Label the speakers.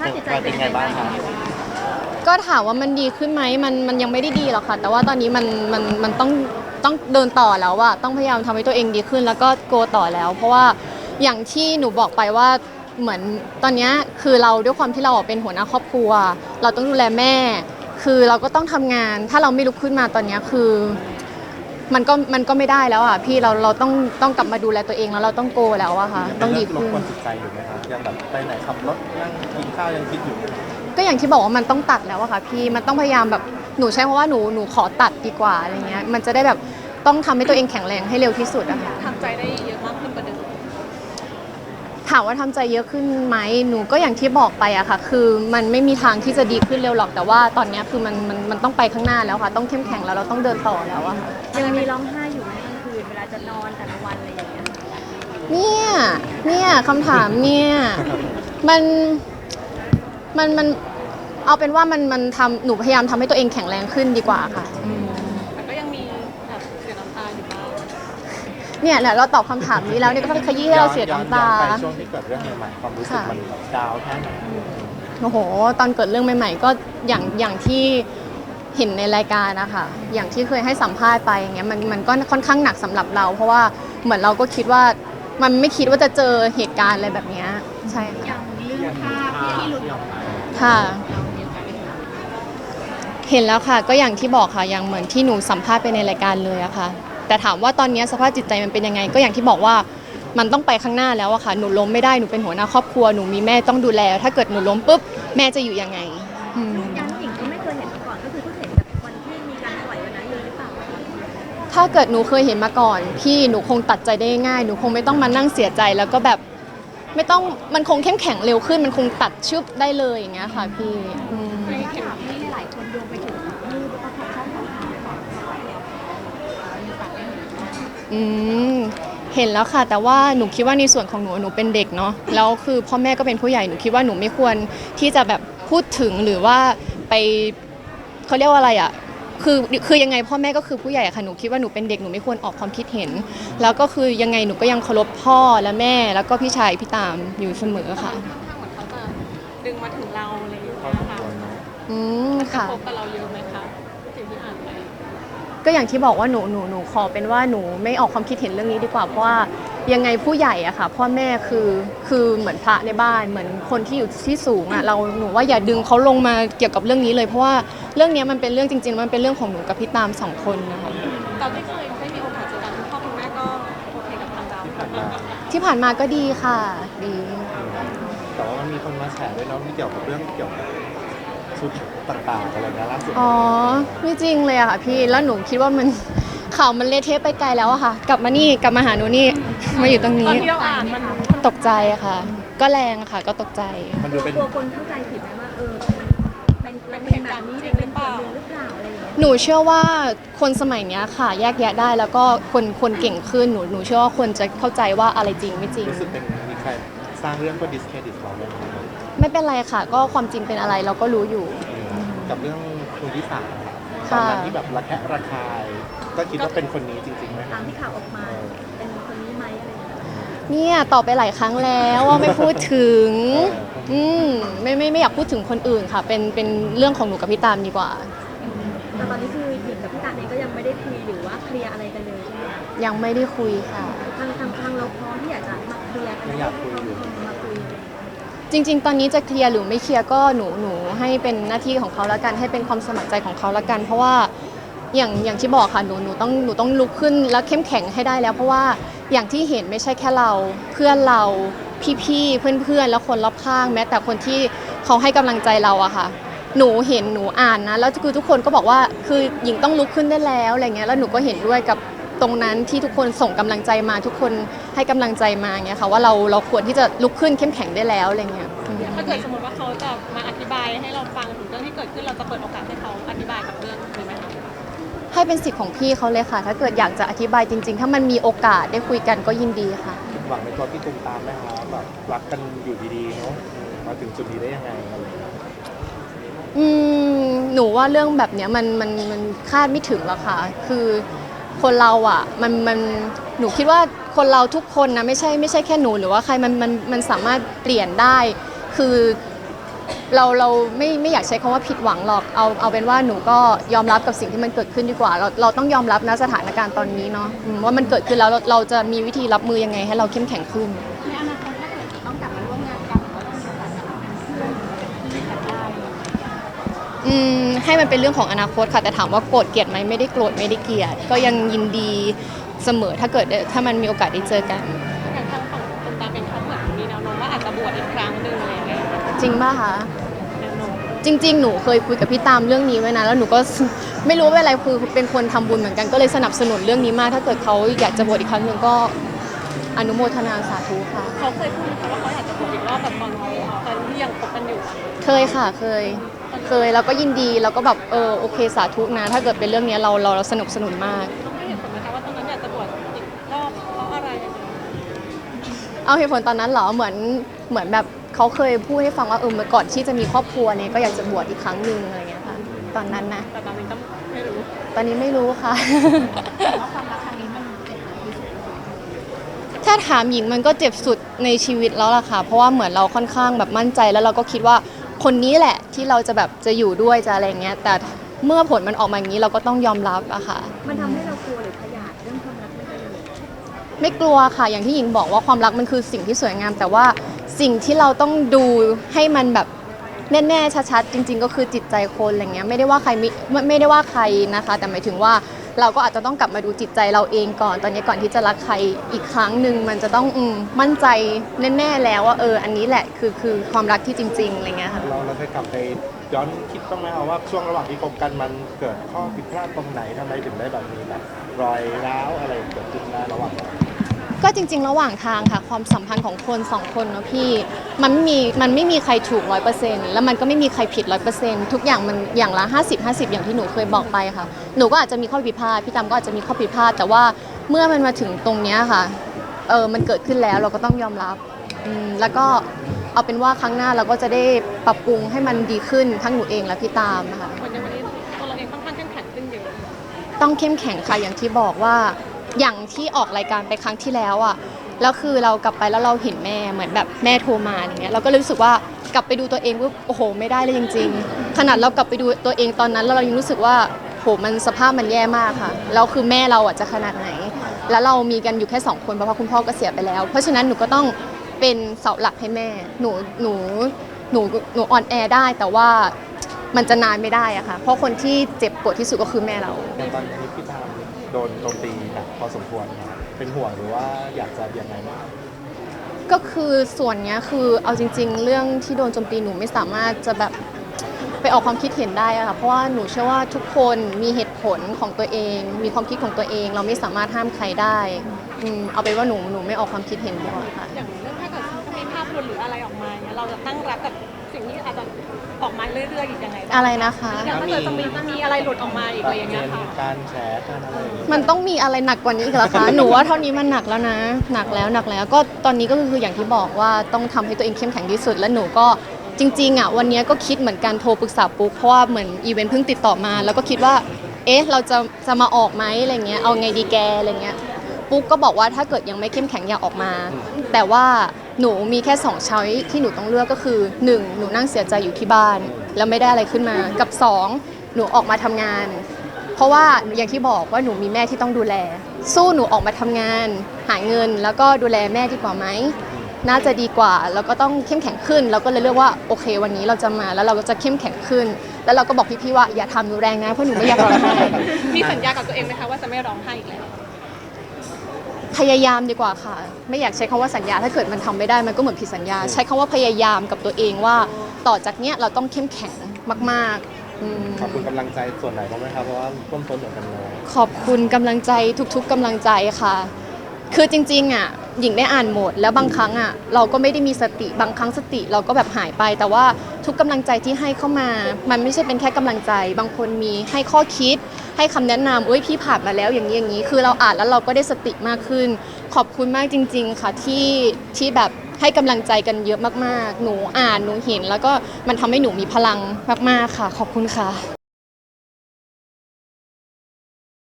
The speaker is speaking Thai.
Speaker 1: าพจิตใจเป็นไงบ้างคะ
Speaker 2: ก็ถามว่ามันดีขึ้นไหมมันยังไม่ได้ดีหรอกค่ะแต่ว่าตอนนี้มันต้องเดินต่อแล้วอะต้องพยายามทำให้ตัวเองดีขึ้นแล้วก็โกต่อแล้วเพราะว่าอย่างที่หนูบอกไปว่าเหมือนตอนนี้คือเราด้วยความที่เราเป็นหัวหน้าครอบครัวเราต้องดูแลแม่คือเราก็ต้องทำงานถ้าเราไม่ลุกขึ้นมาตอนนี้คือมันก็ไม่ได้แล้วอ่ะพี่เราต้องกลับมาดูแลตัวเองแล้วเราต้องโกแล้วอะค่ะต้องดีขึ้น
Speaker 1: รบกวนจิตใจอยู่ไหมคะยังแบบไปไหนขับรถนั่งกินข้าวยังคิดอยู่ไหม
Speaker 2: ก็อย่างที่บอกว่ามันต้องตัดแล้วอะค่ะพี่มันต้องพยายามแบบหนูใช้คำว่าหนูขอตัดดีกว่าอะไรเงี้ยมันจะได้แบบต้องทำให้ตัวเองแข็งแรงให้เร็วที่สุดอะค่ะ
Speaker 3: ทำใจได้เยอะมากขึ้นกว่าเดิม
Speaker 2: ถามว่าทำใจเยอะขึ้นไหมหนูก็อย่างที่บอกไปอะค่ะคือมันไม่มีทางที่จะดีขึ้นเร็วหรอกแต่ว่าตอนนี้คือมันต้องไปข้างหน้าแล้วค่ะต้องเข้มแข็งแล้วเราต้องเดินต่อแล้วอะค่ะ
Speaker 4: ยังมีร้องไห้อยู่ไหมกลางคืนเวลาจะนอนแต่ละวันอะไรอย่างเงี้ย
Speaker 2: เนี่ยคำถามเนี่ยมันเอาเป็นว่ามันทำหนูพยายามทำให้ตัวเองแข็งแรงขึ้นดีกว่าค่ะ
Speaker 3: แต่ก็ยังมีแบบเสียน้ำตาอยู่บ้าง
Speaker 2: เนี่ยแหละเราตอบคำถามนี้แล้วเนี่ยก็ขยี้ให้เราเสียน้ำตา
Speaker 1: ย้อนไปช่วงที่เกิดเรื่องใหม่ๆความรู้สึกมันดาวแค่ไหน
Speaker 2: โอ้โหตอนเกิดเรื่องใหม่ๆก็อย่างที่เห็นในรายการนะคะอย่างที่เคยให้สัมภาษณ์ไปอย่างเงี้ยมันก็ค่อนข้างหนักสำหรับเรา เพราะว่าเหมือนเราก็คิดว่ามันไม่คิดว่าจะเจอเหตุการณ์อะไรแบบนี้ใช่ค่ะ
Speaker 4: เรื่องภาพที่หลุดออกมา
Speaker 2: ค่ะเห็นแล้วค่ะก็อย่างที่บอกค่ะอย่างเหมือนที่หนูสัมภาษณ์ไปในรายการเลยอะค่ะแต่ถามว่าตอนนี้สภาพจิตใจมันเป็นยังไงก็อย่างที่บอกว่ามันต้องไปข้างหน้าแล้วอะค่ะหนูล้มไม่ได้หนูเป็นหัวหน้าครอบครัวหนูมีแม่ต้องดูแลถ้าเกิดหนูล้มปุ๊บแม่จะอยู่ยังไง
Speaker 4: ยันหญิงก็ไม่เคยเห็นมาก่อนก็คือเพิ่งเห็นแบบวันที่มีการปล่อยวันนั้นเลยหรือเปล่า
Speaker 2: ถ้าเกิดหนูเคยเห็นมาก่อนพี่หนูคงตัดใจได้ง่ายหนูคงไม่ต้องมานั่งเสียใจแล้วก็แบบไม่ต้องมันคงเข้มแข็งเร็วขึ้นมันคงตัดชึบได้เลยอย่างเงี้ยค่ะพี่
Speaker 4: ในข่าวที่หลายคนโยงไปถึงรูปแล้วก็ช่องของ
Speaker 2: เห็นแล้วค่ะแต่ว่าหนูคิดว่าในส่วนของหนูเป็นเด็กเนาะแล้วคือพ่อแม่ก็เป็นผู้ใหญ่หนูคิดว่าหนูไม่ควรที่จะแบบพูดถึงหรือว่าไปเขาเรียกว่าอะไรอ่ะคือยังไงพ่อแม่ก็คือผู้ใหญ่ค่ะหนูคิดว่าหนูเป็นเด็กหนูไม่ควรออกความคิดเห็นแล้วก็คือยังไงหนูก็ยังเคารพพ่อและแม่แล้วก็พี่ชายพี่ตามอยู่เสมอค่ะ
Speaker 3: เหมือนเขาจะดึงมาถึงเราอะไรอย่างเงี้ย
Speaker 2: ค่ะ
Speaker 3: กระทบกับเราเยอะไหมคะสิ่งที่อ่านไป
Speaker 2: ก็อย่างที่บอกว่าหนูขอเป็นว่าหนูไม่ออกความคิดเห็นเรื่องนี้ดีกว่าเพราะว่ายังไงผู้ใหญ่อะค่ะพ่อแม่คือเหมือนพระในบ้านเหมือนคนที่อยู่ที่สูงอะหนูว่าอย่าดึงเขาลงมาเกี่ยวกับเรื่องนี้เลยเพราะว่าเรื่องนี้มันเป็นเรื่องจริงๆมันเป็นเรื่องของหนูกับพี่ตาม2 คนนะคะ
Speaker 3: ตอนที่เคยได้มีโอกาสเจอกันคุณพ่อคุณแม่ก็โอเคกับทางเรา
Speaker 2: ที่ผ่านมาก็ดีค่ะดี
Speaker 1: แต่ว่ามันมีคนมาแฉด้วยเนาะที่เกี่ยวกับเรื่องเกี่ยวกับชุดต่างๆอะไรนะล่าสุด
Speaker 2: อ๋อไม่จริงเลยอะค่ะพี่แล้วหนูคิดว่ามันข่าวมันเละเทะไปไกลแล้วอะค่ะกลับมาหาหนูนี่มาอยู่ตรงนี้
Speaker 3: ตอนที่เราอ่านมัน
Speaker 2: ตกใจอะค่ะก็แรงค่ะก็ตกใจ
Speaker 1: มันดูเป็น
Speaker 4: กลัวคนเข้าใจผิดไหมว่ามันเป็นแบบนี้เป็นส่วนหนึ่งหรือเปล่าอะไรอย่างเงี้ย
Speaker 2: หนูเชื่อว่าคนสมัยนี้ค่ะแยกแยะได้แล้วก็คนเก่งขึ้นหนูเชื่อว่าคนจะเข้าใจว่าอะไรจริงไม่จริง
Speaker 1: รู้สึกเป็นมีใครสร้างเรื่องก็ดิสเครดิตเราเลย
Speaker 2: ไม่เป็นไรค่ะก็ความจริงเป็นอะไรเราก็รู้อยู่
Speaker 1: กับเรื่องคุณที่สามตอนนั้นที่แบบระแคะระคายก็คิดว่าเป็นคนนี้จริงๆไหม
Speaker 4: ตามที่ข่าวออกมาเป็นคนนี้ไหมอะไรอย่างเงี้ย
Speaker 2: เนี่ยตอบไปหลายครั้งแล้วว่าไม่พูดถึงไม่อยากพูดถึงคนอื่นค่ะเป็นเรื่องของหนูกับพี่ตามดีกว่า
Speaker 4: แต่ตอนนี้คือหญิงกับพี่ตาเองก็ยังไม่ได้คุยหรือว่าเคลียร์อะไรกันเลยใช่ไหม
Speaker 2: ยังไม่ได้คุยค่ะ
Speaker 4: ทางเราพร้อมที่อยากจะมาเคลียร์กัน
Speaker 1: ไม่อยากคุยอยู่
Speaker 4: มาคุย
Speaker 2: จริงๆตอนนี้จะเคลียร์หรือไม่เคลียร์ก็หนูให้เป็นหน้าที่ของเขาแล้วกันให้เป็นความสมัครใจของเขาแล้วกันเพราะว่าอย่างที่บอกค่ะหนูต้องลุกขึ้นแล้วเข้มแข็งให้ได้แล้วเพราะว่าอย่างที่เห็นไม่ใช่แค่เราเพื่อนเราพี่ๆเพื่อนๆแล้วคนรอบข้างแม้แต่คนที่เขาให้กำลังใจเราอะค่ะหนูเห็นหนูอ่านนะแล้วคือทุกคนก็บอกว่าคือหญิงต้องลุกขึ้นได้แล้วอะไรเงี้ยแล้วหนูก็เห็นด้วยกับตรงนั้นที่ทุกคนส่งกำลังใจมาทุกคนให้กำลังใจมาเงี้ยค่ะว่าเราควรที่จะลุกขึ้นเข้มแข็งได้แล้วอะไรเงี้ย
Speaker 3: ถ้าเกิดสมมติว่าเขาจะมาอธิบายให้เราฟังถึงเรื่องที่เกิดขึ้นเราจะเปิดโอกาสให้เขาอธิบายกับเรื่องนี้ไหมคะ
Speaker 2: ให้เป็นสิทธิ์ของพี่เขาเลยค่ะถ้าเกิดอยากจะอธิบายจริงๆถ้ามันมีโอกาสได้คุยกันก็ยินดีค่ะ
Speaker 1: หวังในตัวพี่ตุ้มตามไหมคะแบบรักกันอยู่ดีๆเนาะมาถึงจุดนี้ได้ยังไง
Speaker 2: หนูว่าเรื่องแบบเนี้ยมันคาดไม่ถึงหรอกค่ะคือคนเราอ่ะหนูคิดว่าคนเราทุกคนนะไม่ใช่แค่หนูหรือว่าใครมันสามารถเปลี่ยนได้คือเราไม่อยากใช้คำว่าผิดหวังหรอกเอาเป็นว่าหนูก็ยอมรับกับสิ่งที่มันเกิดขึ้นดีกว่าเราต้องยอมรับนะสถานการณ์ตอนนี้เนาะว่ามันเกิดขึ้นแล้วเราจะมีวิธีรับมือยังไงให้เราเข้มแข็งขึ้น
Speaker 4: ในอนาคตถ้าเกิดต้องกลับมาร่วมงานกันหรือว่าต้องมีโอกาสกลับมาเป็นเพื่อนที่กันได้
Speaker 2: ให้มันเป็นเรื่องของอนาคตค่ะแต่ถามว่าโกรธเกลียดไหมไม่ได้โกรธไม่ได้เกลียดก็ยังยินดีเสมอถ้ามันมีโอกาสได้เจอกัน
Speaker 3: อย่างทางฝั่งคุณตาเป็นเขาเหมือนมีแนวโน้มว่าอาจจะบวชอีกครั้งหนึ่งอะไรอย่างเงี้ย
Speaker 2: จริงป่ะคะ
Speaker 3: แนวโน้ม
Speaker 2: จริงๆหนูเคยคุยกับพี่ตามเรื่องนี้ไว้นะแล้วหนูก็ ไม่รู้ว่าอะไรคือเป็นคนทำบุญเหมือนกันก็เลยสนับสนุนเรื่องนี้มากถ้าเกิดเขาอยากจะบวชอีกครั้งหนึ่งก็อนุโมทนาสาธุค่ะ
Speaker 3: เขาเคยพูดไหมคะว่าเขาอยากจะบวชอีกรอบแบบตอนที่ยังคบกันอยู่อะ
Speaker 2: เคยค่ะเคยแล้วก็ยินดีแล้วก็แบบโอเคสาธุนะ ถ้าเกิดเป็นเรื่องนี้เราสนับสนุนมาก
Speaker 3: ต้องให้เหตุผลไหมคะว่าตอนนั้นอยากจะบวชอีกรอบเพราะอะไรยังไง
Speaker 2: เอาเหตุผลตอนนั้นเหรอเหมือนแบบเขาเคยพูดให้ฟังว่าเมื่อก่อนที่จะมีครอบครัวเนี่ยก็อยากจะบวชอีกครั้งหนึ่งอะไรเงี้ยค่ะตอนนั้นนะ
Speaker 3: แต่ตอนนี้ก็ไม่รู้
Speaker 2: ตอนนี้ไม่รู้ค่ะ
Speaker 4: ว่าความรักครั้งนี้มันเจ็บที่สุด
Speaker 2: ถ้าถามหญิงมันก็เจ็บสุดในชีวิตแล้วล่ะค่ะ เพราะว่าเหมือนเราค่อนข้างแบบมั่นใจแล้วเราก็คิดว่าคนนี้แหละที่เราจะแบบจะอยู่ด้วยจะอะไรเงี้ยแต่เมื่อผลมันออกมาอย่างนี้เราก็ต้องยอมรับอะค่ะ
Speaker 4: มันทำให้เรากลัวหรือขยาดเรื่องความรักไม่ได้เลย
Speaker 2: ไม่กลัวค่ะอย่างที่หญิงบอกว่าความรักมันคือสิ่งที่สวยงาม แต่ว่าสิ่งที่เราต้องดูให้มันแบบแน่ๆชัดๆจริง ๆ ก็คือจิตใจคนอะไรเงี้ยไม่ได้ว่าใครไม่ได้ว่าใครนะคะ แต่หมายถึงว่าเราก็อาจจะต้องกลับมาดูจิตใจเราเองก่อนตอนนี้ก่อนที่จะรักใครอีกครั้งหนึ่งมันจะต้องมั่นใจแน่ๆแล้วว่าอันนี้แหละคือความรักที่จริงๆอะไรเงี้ยค่ะ
Speaker 1: เราเคยกลับไปย้อนคิดบ้างไหมครับว่าช่วงระหว่างที่คบกันมันเกิดข้อผิดพลาดตรงไหนทำไมถึงได้แบบมีแบบรอยร้าวอะไรเกิดขึ้นระหว่างเรา
Speaker 2: ก็จริงๆ ระหว่างทางค่ะความสัมพันธ์ของคนสองคนเนาะพี่มันไม่มีใครถูก 100%แล้วมันก็ไม่มีใครผิด 100%ทุกอย่างมันอย่างละ50-50อย่างที่หนูเคยบอกไปค่ะหนูก็อาจจะมีข้อผิดพลาดพี่ตามก็อาจจะมีข้อผิดพลาดแต่ว่าเมื่อมันมาถึงตรงเนี้ยค่ะมันเกิดขึ้นแล้วเราก็ต้องยอมรับแล้วก็เอาเป็นว่าครั้งหน้าเราก็จะได้ปรับปรุงให้มันดีขึ้นทั้งหนูเองและพี่ตามค่ะ
Speaker 3: วันนี้ตัวเราเองค่อนข้างเข้มแข็งขึ้นเยอะ
Speaker 2: ต้องเข้มแข็งค่ะอย่างที่บอกว่าอย่างที่ออกรายการไปครั้งที่แล้วอ่ะแล้วคือเรากลับไปแล้วเราเห็นแม่เหมือนแบบแม่โทรมาอย่างเงี้ยเราก็เลยรู้สึกว่ากลับไปดูตัวเองว่าโอ้โหไม่ได้เลยจริงๆขนาดเรากลับไปดูตัวเองตอนนั้นแล้วเรายังรู้สึกว่าโหมันสภาพมันแย่มากค่ะแล้วคือแม่เราอ่ะจะขนาดไหน แล้วเรามีกันอยู่แค่2คนเพราะว่าคุณพ่อก็เสียไปแล้ว เพราะฉะนั้นหนูก็ต้องเป็นเสาหลักให้แม่หนูอ่อนแอได้แต่ว่ามันจะนานไม่ได้อะค่ะเพราะคนที่เจ็บปวดที่สุดก็คือแม่เรา
Speaker 1: อย่างตอนนี้พี่ตามโดนโจมตีหนักพอสมควรนะครับเป็นห่วงหรือว่าอยากจะยังไงบ้าง
Speaker 2: ก็คือส่วนเนี้ยคือเอาจริง ๆ เรื่องที่โดนโจมตีหนูไม่สามารถจะแบบไปออกความคิดเห็นได้อะค่ะเพราะว่าหนูเชื่อว่าทุกคนมีเหตุผลของตัวเอง มีความคิดของตัวเอง เราไม่สามารถห้ามใครได้เอาเป็นว่าหนูไม่ออกความคิดเห็นดีกว่าค่ะ
Speaker 3: อย่างเรื่องถ้าเกิดมีภาพหลุดหรืออะไรออกมาเนี่ยเราจะตั้งรับกับสิ่งที่อาจจะออกมาเรื่อยๆอีกยังไงบ้าง
Speaker 2: อะไรนะคะ
Speaker 3: อย่างถ้าเกิดจะมีอะไรหลุดออกมาอีกอะไรอย่างเงี้ยค่ะ
Speaker 1: การแฉการอะไรอย่างเงี้ย
Speaker 2: มันต้องมีอะไรหนักกว่านี้อีกเหรอคะ หนูว่าเท่านี้มันหนักแล้วนะ หนักแล้วก็ตอนนี้ก็คืออย่างที่บอกว่าต้องทำให้ตัวเองเข้มแข็งที่สุด และหนูก็จริงๆอ่ะวันนี้ก็คิดเหมือนกันโทรปรึกษาปุ๊กเพราะว่าเหมือนอีเวนต์เพิ่งติดต่อมา แล้วก็คิดว่าเราจะมาออกไหมอะไรเงี้ยเอาไงดีแกอะไรเงี้ยปุ๊กก็บอกว่าถ้าเกิดยังไม่เข้มแข็งอย่าออกมา แต่ว่าหนูมีแค่2ช้อยที่หนูต้องเลือกก็คือ1หนูนั่งเสียใจอยู่ที่บ้านแล้วไม่ได้อะไรขึ้นมากับ2หนูออกมาทำงาน เพราะว่าอย่างที่บอกว่าหนูมีแม่ที่ต้องดูแล สู้หนูออกมาทำงาน หาเงินแล้วก็ดูแลแม่ดีกว่าไหมน่าจะดีกว่าแล้วก็ต้องเข้มแข็งขึ้นเราก็เลยเลือกว่าโอเค วันนี้เราจะมาแล้วเราก็จะเข้มแข็งขึ้น แล้วเราก็บอกพี่ๆว่าอย่าทำหนูแรงนะเพราะหนูไม่อยากร้องไห้
Speaker 3: มีสัญญากับตัวเองไหมคะว่าจะไม่ร้องไห้อีกแล้ว
Speaker 2: พยายามดีกว่าค่ะ ไม่อยากใช้คำว่าสัญญาถ้าเกิดมันทำไม่ได้มันก็เหมือนผิดสัญญา ใช้คำว่าพยายามกับตัวเองว่าต่อจากเนี้ยเราต้องเข้มแข็งมากๆ
Speaker 1: ขอบคุณกำลังใจส่วนไหนบ้างไหมครับเพราะว่าต้นทนเหมือนกันเลย
Speaker 2: ขอบคุณกำลังใจทุกๆกำลังใจค่ะ คือจริงๆอ่ะหญิงได้อ่านหมดแล้วบางครั้งอ่ะเราก็ไม่ได้มีสติบางครั้งสติเราก็แบบหายไป แต่ว่าทุกกำลังใจที่ให้เข้ามา มันไม่ใช่เป็นแค่กำลังใจ บางคนมีให้ข้อคิด ให้คำแนะนำอุ้ยพี่ผ่านมาแล้วอย่างนี้อย่างนี้ คือเราอ่านแล้วเราก็ได้สติมากขึ้น ขอบคุณมากจริง ๆ ค่ะที่แบบให้กำลังใจกันเยอะมากๆ หนูอ่านหนูเห็นแล้วก็มันทำให้หนูมีพลังมากๆค่ะ ขอบคุณค่ะ